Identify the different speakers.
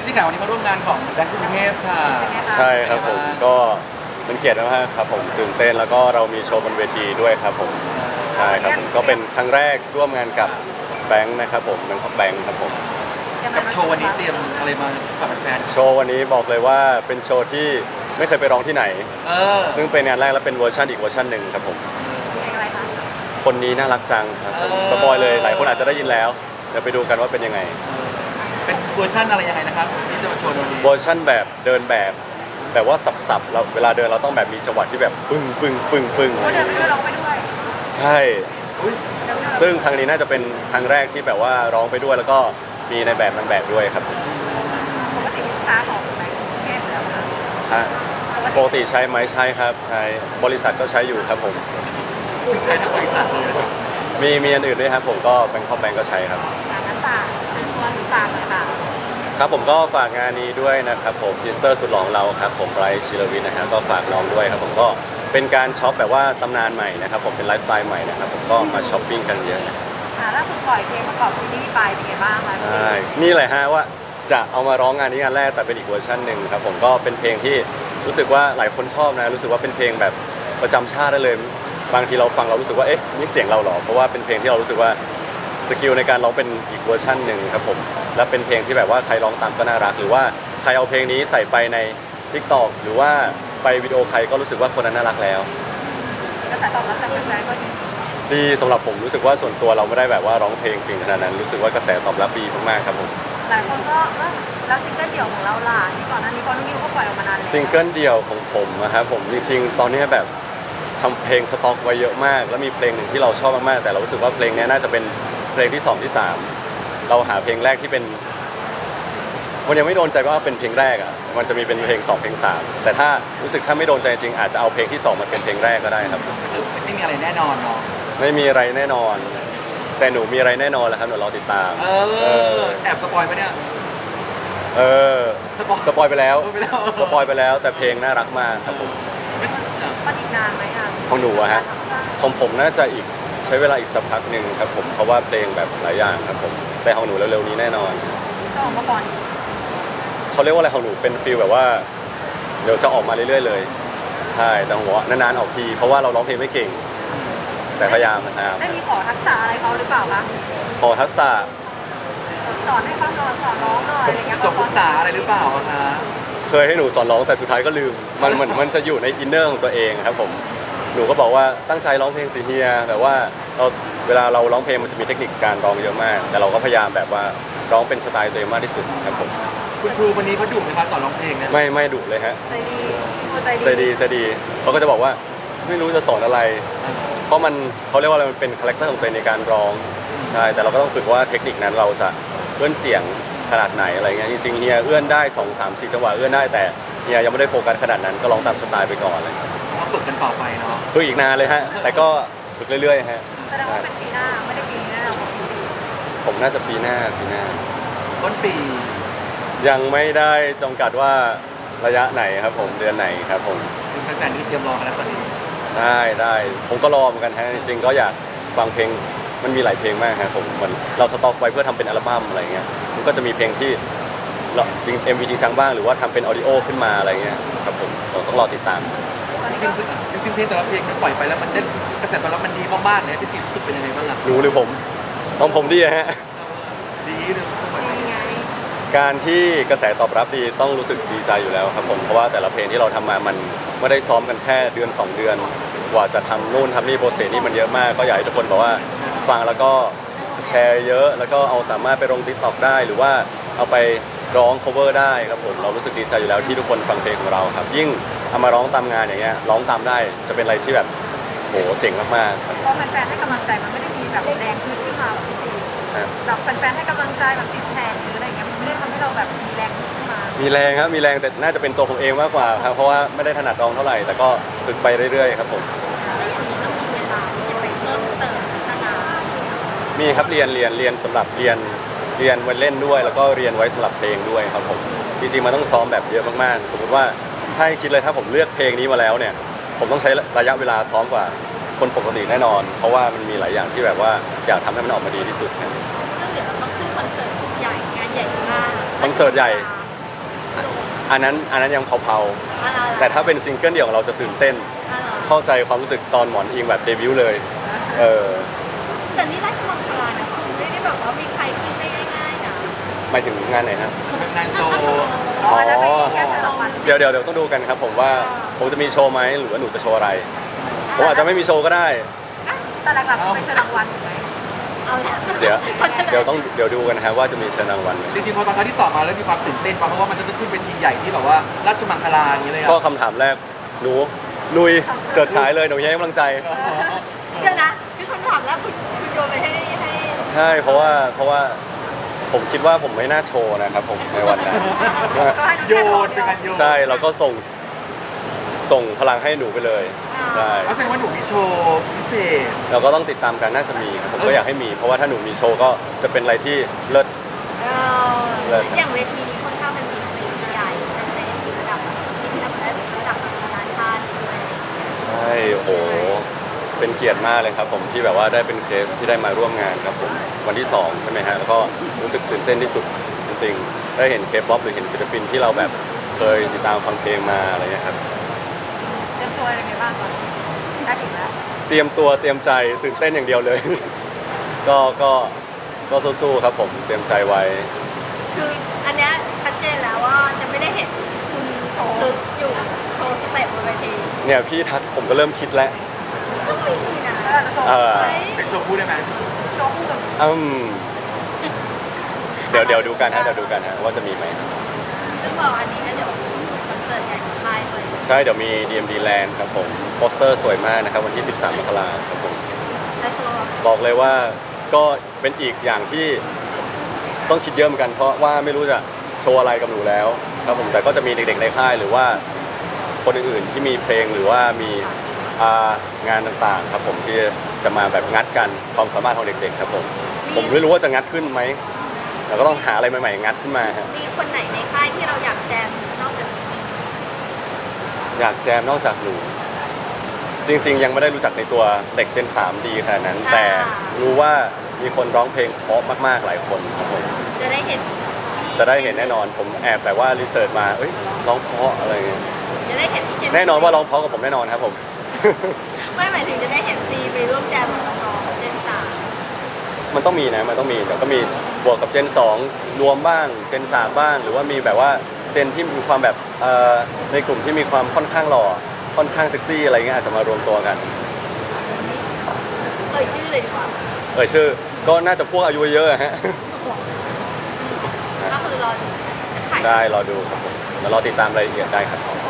Speaker 1: พี่ข่าววันนี้มาร่วมงานของแบงก์กรุงเทพค่ะ
Speaker 2: ใช่ครับผมก็เป็นเกียรติมากครับผมตื่นเต้นแล้วก็เรามีโชว์บนเวทีด้วยครับผมใช่ครับผมก็เป็นครั้งแรกร่วมงานกับแบงค์นะครับผมแบงค์แบงค์ครับผม
Speaker 1: กับโชว์วันนี้เตรียมอะไรมาฝากแฟน
Speaker 2: โชว์วันนี้บอกเลยว่าเป็นโชว์ที่ไม่เคยไปร้องที่ไหนซึ่งเป็นงานแรกและเป็นเวอร์ชันอีกเวอร์ชันหนึ่งครับผมคนนี้น่ารักจังครับผมสปอยเลยหลายคนอาจจะได้ยินแล้วเดี๋ยวไปดูกันว่าเป็นยังไง
Speaker 1: เป็นเวอร์ชันอะไรยังไงนะครับที่จะมาโชว์วันนี้
Speaker 2: เวอร์ชันแบบเดินแบบว่าสับๆเราเวลาเดินเราต้องแบบมีจังหวะที่แบบปึ้งปึ้งปึ้งปึ้ง
Speaker 3: เดินไปด้วยร้องไปด้วย
Speaker 2: ใช่ซึ่งครั้งนี้น่าจะเป็นครั้งแรกที่แบบว่าร้องไปด้วยแล้วก็มีในแบบนางแบบด้วยครับ
Speaker 3: ปกติลูกค้าของแบงก์กรุงเทพแล้ว
Speaker 2: ฮะปกติใช้ไหมใช้ครับใช้บริษัทก็ใช้อยู่ครับผม
Speaker 1: ใช้ทั้งบริษัทเลย
Speaker 2: มีอันอื่นด้วยครับผมก็แบงค์คอมแบงก์ก็ใช้ครับ
Speaker 3: งั้นฝากเป็นตัวหรือฝากเลยค่ะ
Speaker 2: ครับผมก็ฝากงานนี้ด้วยนะครับผมพิสเตอร์สุดหล่อของเราครับผมไบรท์ชิลวินนะครับก็ฝากน้องด้วยครับผมก็เป็นการช็อปแบบว่าตำนานใหม่นะครับผมเป็นไลฟ์สไตล์ใหม่นะครับผมก็มาช้อปปิ้งกันเยอะ
Speaker 3: ล่าสุดปล่อยเพลงประกอบซีรีส์ไปเป็นไงบ้างคะ
Speaker 2: ใช่นี่แหละฮะว่าจะเอามาร้องงานนี้งานแรกแต่เป็นอีกเวอร์ชันหนึ่งครับผมก็เป็นเพลงที่รู้สึกว่าหลายคนชอบนะรู้สึกว่าเป็นเพลงแบบประจำชาติได้เลยบางทีเราฟังเรารู้สึกว่าเอ๊ะนี่เสียงเราหรอเพราะว่าเป็นเพลงที่เรารู้สึกว่าสกิลในการร้องเป็นอีกเวอร์ชันหนึ่งครับผมและเป็นเพลงที่แบบว่าใครร้องตามก็น่ารักหรือว่าใครเอาเพลงนี้ใส่ไปใน TikTok หรือว่าไปวิดีโอใครก็รู้สึกว่าคนนั้นน่ารักแล้ว
Speaker 3: กระแสตอบรับจากแฟนๆก็
Speaker 2: ดีสำหรับผมรู้สึกว่าส่วนตัวเราไม่ได้แบบว่าร้องเพลงเก่งขนาดนั้นรู้สึกว่ากระแสตอบรับดีมากๆครับผม
Speaker 3: หลายคนก็แล้วซิงเกิลเดี่ยวของเราล่ะที่ก่อนหน้านี้ก็น้องมิวก็ปล่อยออกมานานแล้ว
Speaker 2: ซิงเกิลเดี่ยวของผมนะครับผมจริงๆตอนนี้แบบทำเพลงสต็อกไว้เยอะมากแล้วมีเพลงหนึ่งที่เราชอบมากๆแต่เรารู้สึกว่าเพลงนี้น่าจะเป็นเพลงที่2ที่3เราหาเพลงแรกที่เป็นมันยังไม่โดนใจว่าเป็นเพลงแรกอ่ะมันจะมีเป็นเพลง2เพลง3แต่ถ้ารู้สึกถ้าไม่โดนใจจริงอาจจะเอาเพลงที่2มาเป็นเพลงแรกก็ได้ครับ
Speaker 1: ไม่มีอะไรแน่นอนเนาะ
Speaker 2: ไม่มีอะไรแน่นอนแต่หนูมีอะไรแน่นอนแหละครับหนูรอติดตาม
Speaker 1: แอบสปอยไหมเนี่ย
Speaker 2: สปอยไปแล้วสปอยไปแล้วแต่เพลงน่ารักมากครับผม
Speaker 3: มันอีกนานไหมคะ
Speaker 2: ของหนูอะฮะของผมน่าจะอีกใช้เวลาอีกสักพักหนึ่งครับผมเพราะว่าเพลงแบบหลายอย่างครับผมแต่ของหนูเร็วๆนี้แน่นอน
Speaker 3: ก็ออกมาก่อน
Speaker 2: เขาเรียกว่าอะไรของหนูเป็นฟีลแบบว่าเดี๋ยวจะออกมาเรื่อยๆเลยใช่แต่หัวนานๆออกทีเพราะว่าเราร้องเพลงไม่เก่งแต่พยายามนะครับ
Speaker 3: ได้มีขอทักษะอะไรเขาหรือเปล่าคะ
Speaker 2: ขอทักษะ
Speaker 3: สอนให้เขาสอนร้องหน่อยอะไรเงี้ย
Speaker 1: สอนภาษาอะไรหรือเปล่าคะ
Speaker 2: เคยให้หนูสอนร้องแต่สุดท้ายก็ลืมมันเหมือนมันจะอยู่ในอินเนอร์ของตัวเองครับผมหนูก็บอกว่าตั้งใจร้องเพลงสิเฮียแต่ว่าเวลาเราร้องเพลงมันจะมีเทคนิคการร้องเยอะมากแต่เราก็พยายามแบบว่าร้องเป็นสไตล์ตัวเองมากที่สุดครับผม
Speaker 1: คุณครูวันนี้เขาดุไหมคะสอนร้องเพลงเนี่ย
Speaker 2: ไม่ดุเลยฮะใจดีเขาก็จะบอกว่าไม่รู้จะสอนอะไรเพราะเขาเรียกว่าอะไรมันเป็นคาแรคเตอร์ของตัวเองในการร้องใช่แต่เราก็ต้องฝึกว่าเทคนิคนั้นเราจะเอื้อนเสียงขนาดไหนอะไรเงี้ยจริงๆเฮียเอื้อนได้2 3 4จังหวะเอื้อนได้แต่เฮียยังไม่ได้โฟกัสขนาดนั้นก็ร้องตามสไตล์ไปก่อนเลย
Speaker 1: ก็ฝึกกันต่อไปเนาะ
Speaker 2: ฝึกอีกนานเลยฮะแต่ก็ฝึกเรื่อยๆฮะ
Speaker 3: แสดงว่าเป็นปีหน้าไม่ได้ปีหน้า
Speaker 2: ผมน่าจะปีหน้า
Speaker 1: ต้นปี
Speaker 2: ยังไม่ได้จำกัดว่าระยะไหนครับผมเดือนไหนครับผม
Speaker 1: แฟนๆที่เตรียมรอกันแล้วตอนนี้
Speaker 2: ได้ผมก็รอเหมือนกันฮะจริงๆก็อยากฟังเพลงมันมีหลายเพลงมากครับผมเราสต็อกไว้เพื่อทำเป็นอัลบั้มอะไรเงี้ยมันก็จะมีเพลงที่จริง MV จริงจังบ้างหรือว่าทำเป็นออดิโอขึ้นมาอะไรเงี้ยครับผมเราต้องรอติดตาม
Speaker 1: จริงเพลงแต่ละเพลงมันปล่อยไปแล้วมันได้กระแสตอบรับมันดีมากๆเนี่ยพี่ซีรู้สึกเป็นยังไงบ้างล่ะ
Speaker 2: รู้หรือผมต้องผมดีฮะ
Speaker 1: ดีเลย
Speaker 2: การที่กระแสตอบรับดีต้องรู้สึกดีใจอยู่แล้วครับผมเพราะว่าแต่ละเพลงที่เราทำมามันไม่ได้ซ้อมกันแค่เดือน2 เดือนกว่าจะทำนู่นทำนี่โปรเซสนี่มันเยอะมากก็อยากให้ทุกคนบอกว่าฟังแล้วก็แชร์เยอะแล้วก็เอาสามารถไปลง TikTok ได้หรือว่าเอาไปร้อง cover ได้ครับผมเรารู้สึกดีใจอยู่แล้วที่ทุกคนฟังเพลงของเราครับยิ่งเอามาร้องตามงานอย่างเงี้ยร้องตามได้จะเป็นอะไรที่แบบโหเจ๋งมากๆ
Speaker 3: เพราะแฟนๆให้กำลังใจมันไม่ได้มีแบบแรงขึ้นมาแบบที่แบบแฟนๆให้กำลังใจแบบติดแทนหรืออะไรเงี้ยมันไม่ได้ทำให้เราแบบมีแรงขึ้นมา
Speaker 2: มีแรงครับมีแรงแต่น่าจะเป็นตัวผมเองมากกว่าครับเพราะว่าไม่ได้ถนัดร้องเท่าไหร่แต่ก็ฝึกไปเรื่อยๆครับผมมีครับเรียนสำหรับเรียนไว้เล่นด้วยแล้วก็เรียนไว้สำหรับเพลงด้วยครับผมจริงๆมันต้องซ้อมแบบเยอะมากๆสมมติว่าถ้าคิดเลยถ้าผมเลือกเพลงนี้มาแล้วเนี่ยผมต้องใช้ระยะเวลาซ้อมกว่าคนปกติแน่นอนเพราะว่ามันมีหลายอย่างที่แบบว่าอยากทำให้มันออกมาดีที่สุด
Speaker 3: ซึ่งเดี๋ยวเราต้องขึ้นคอนเสิร์ตใหญ่งานใหญ่มาก
Speaker 2: คอนเสิร์ตใหญ่อันนั้นยังเผาๆแต่ถ้าเป็นซิงเกิลเดี่ยวของเราจะตื่นเต้น เข้าใจความรู้สึกตอนหมอนอิงแบบเดบิวต์เลยเออ
Speaker 3: แต่นี่ราชมังคลานะคุณไม่ได้แบบว่ามีใครกินได้ง่ายๆนะ
Speaker 2: หมายถึงงานไหนฮะ
Speaker 1: งานโชว์
Speaker 3: อ๋อแล้วไม่แค่เชิญรางวัล
Speaker 2: เดี๋ยวต้องดูกันครับผมว่าผมจะมีโชว์ไหมหรือว่าหนูจะโชว์อะไรผมอาจจะไม่มีโชว์ก็ได้
Speaker 3: แต่หลักๆคือไปเชิญรางวัลถูกไหมเอาละ
Speaker 2: เดี๋ยวดูกันนะครับว่าจะมีเชิญรางวัลไหม
Speaker 1: จริงๆพอตอนเขาที่ตอบมาแล้วมีความตื่นเต้นป่ะเพราะว่ามันจะขึ้นเป็นทีมใหญ่ที่แบบว่าราชมังคลาอย่างนี้เลยอะ
Speaker 2: ก็คำถามแรกหนูลุยเฉิดฉายเลยหนูให้กำลังใจ
Speaker 3: เดี๋ยวนะคือคำถามแล้วคุณโยนไปให้
Speaker 2: ใช่เพราะว่าผมคิดว่าผมไม่น่าโชว์นะครับผมในวันนั้น
Speaker 3: ก็ให้
Speaker 1: โยนเป็นการโยน
Speaker 2: ใช่เราก็ส่งพลังให้หนูไปเลยใช่
Speaker 1: เอาแสดงว่าหนูมีโชว์พิเศษ
Speaker 2: เราก็ต้องติดตามกันน่าจะมีครับผมก็อยากให้มี เพราะว่าถ้าหนูมีโชว์ก็จะเป็นอะไรที่เลิศ
Speaker 3: อย่างเวทีนี้ค่อนข้างเป็นเวทีใหญ่ในระดับที่ระดับนานาชาติด้วย
Speaker 2: ใช่โอ้โหเป็นเกียรติมากเลยครับผมที่แบบว่าได้เป็นเคสที่ได้มาร่วมงานครับผมวันที่2ใช่ไหมฮะแล้วก็รู้สึกตื่นเต้นที่สุดจริงๆได้เห็นเคป๊อปหรือเห็นศิลปินที่เราแบบเคยติดตามฟังเพลงมาอะไรเงี้ยครับ
Speaker 3: เตรียมตัวยังไงบ้างตอนนี้ได้ถึงแล้ว
Speaker 2: เตรียมตัวเตรียมใจตื่นเต้นอย่างเดียวเลย ก็สู้ๆครับผมเตรียมใจไว้
Speaker 3: คืออันเนี้ยชัดเจนแล้วว่าจะไม่ได้เห็นคุณโชว์อยู่โชว์สเต็ปบนเวที
Speaker 2: เนี่ยพี่ทักผมก็เริ่มคิดแล้ว
Speaker 3: ต้องมีนะจะโชว์
Speaker 1: เป็นโชว์คู่ได้ไหม
Speaker 3: โชว์คู่กับ
Speaker 2: เดี๋ยวดูกันฮะว่าจะมีไหม
Speaker 3: ซึ่งบอกอันนี้ก็เดี๋ยวคอนเสิร์ตใหญ่ของค่ายเลย
Speaker 2: ใช่เดี๋ยวมี DMD Land ครับผมโปสเตอร์สวยมากนะครับวันที่ 13 มกราคมครับผม
Speaker 3: และตัว
Speaker 2: บอกเลยว่าก็เป็นอีกอย่างที่ต้องคิดเยอะเหมือนกันเพราะว่าไม่รู้จะโชว์อะไรกับหนูแล้วครับผมแต่ก็จะมีเด็กๆในค่ายหรือว่าคนอื่นๆที่มีเพลงหรือว่ามีงานต่างๆครับผมที่จะมาแบบงัดกันความสามารถของเด็กๆครับผมไม่รู้ว่าจะงัดขึ้นไหมแต่ก็ต้องหาอะไรใหม่ๆงัดขึ้นมาครับ
Speaker 3: มีคนไหนในค่ายที่เราอยากแจมนอกจากนี้
Speaker 2: อยากแจมนอกจากหนูจริงๆ ยังไม่ได้รู้จักในตัวเด็กเจน 3 ดีขนาดนั้น แต่รู้ว่ามีคนร้องเพลงเพราะมากๆหลายคนครับผม
Speaker 3: จะได้เห็น
Speaker 2: จะได้เห็นแน่นอนผมแอบแต่ว่ารีเสิร์ชมาเอ้ยร้องเพราะอะไรเงี้ย
Speaker 3: จะได้เห็นพี่เจน
Speaker 2: แน่นอนว่าร้องเพราะกับผมแน่นอนครับผม
Speaker 3: ไม่หมายถึงจะได้เห็นซีไปร่วมแจมกับน้องๆเจนสาม
Speaker 2: มันต้องมีนะมันต้องมีเดี๋ยวก็มีบวกกับเจน 2 รวมบ้างเจน 3 บ้าง หรือว่ามีแบบว่าเจนที่มีความแบบในกลุ่มที่มีความค่อนข้างหล่อค่อนข้างเซ็กซี่อะไรเงี้ยอาจจะมารวมตัวกัน
Speaker 3: ชื่อเลยดีกว่า
Speaker 2: ชื่อก็น่าจะพวกอายุเยอะอะฮะ
Speaker 3: ก็คือรอดูถ่าย
Speaker 2: ได้รอดูครับผมแล้วรอติดตามรายละเอียดได้ครับ